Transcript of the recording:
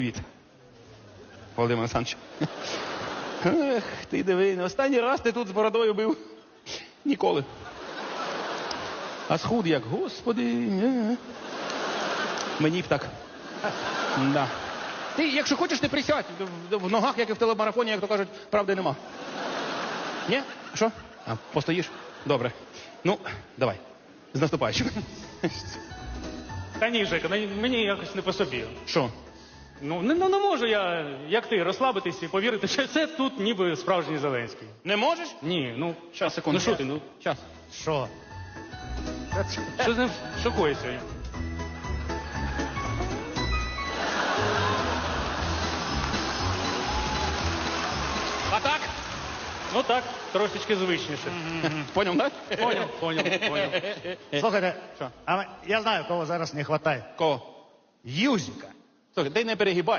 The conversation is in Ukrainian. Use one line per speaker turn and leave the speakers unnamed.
Привіт, Володимир Олександрович. Ех, ти диви, не останній раз ти тут з бородою бив. Ніколи. А схуд як, господи. Мені б так. Да. Ти, якщо хочеш, ти присядь. В ногах, як і в телемарафоні, як то кажуть, правди нема. Ні? Що? А, постоїш? Добре. Ну, давай. З наступаючим.
Та ні, Жека, мені якось не по собі.
Що?
Ну, не можу я, як ти, розслабитись і повірити, що це тут ніби справжній Зеленський.
Не можеш?
Ні, ну,
Щас, секунду.
ну що ти, ну,
Щас.
Що?
що з ним шокує сьогодні?
А так?
Ну так, трошечки звичніше.
Поняв, так?
Поняв.
Слухайте,
Що?
а я знаю, кого зараз не вистачає.
Кого?
Юзика.
Слухай, ти не перегибай.